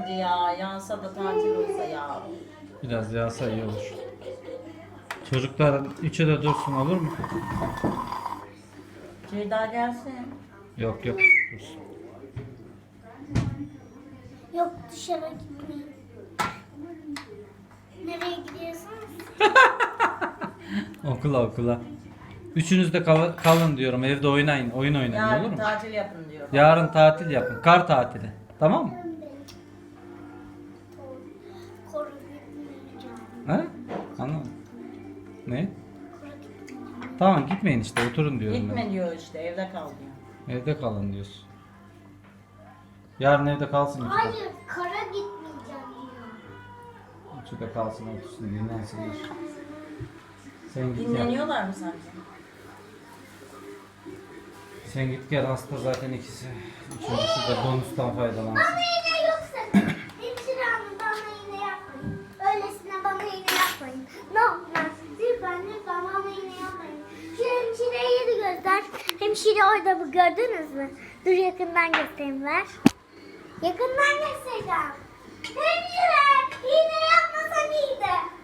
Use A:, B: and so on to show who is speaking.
A: Hadi ya, yansa da tatil olsa ya.
B: Biraz yağsa iyi olur. Çocuklar 3'e de dursun, olur mu?
A: Ceyda gelsin.
B: Yok dursun.
C: Yok, dışarı gitmeyin. Nereye gidiyorsunuz?
B: Okula. Üçünüz de kalın diyorum, evde oynayın, oyun oynayın, olur
A: Yarın
B: mu?
A: tatil yapın diyor.
B: Yarın tatil yapın, kar tatili. Tamam mı?
C: Koru gitmeyeceğim.
B: He? Anlamadım. Ne?
C: Koru gitmeyeceğim.
B: Tamam, gitmeyin işte, oturun diyorum
A: Gitme diyor işte, evde kal diyor.
B: ben. Evde kalın diyorsun. Yarın evde kalsın işte.
C: Hayır, kara gitmeyeceğim diyor.
B: Üçü de kalsın, otursun, dinlensinler. Sen git ya.
A: Dinleniyorlar mı sence?
B: Sen git gel, hasta zaten ikisi. Üçüncüsü de bonustan faydalansın.
C: Bana iğne yoksa hemşire hanım bana iğne yapmayın. Öylesine bana iğne yapmayın. Ne olmaz? Lütfen bana iğne yapmayın. Şu hemşireyi de göster. Hemşire orada mı, gördünüz mü? Dur yakından göstereyim ver. Yakından göstereceğim. Hemşire iğne yapmasan iyiydi.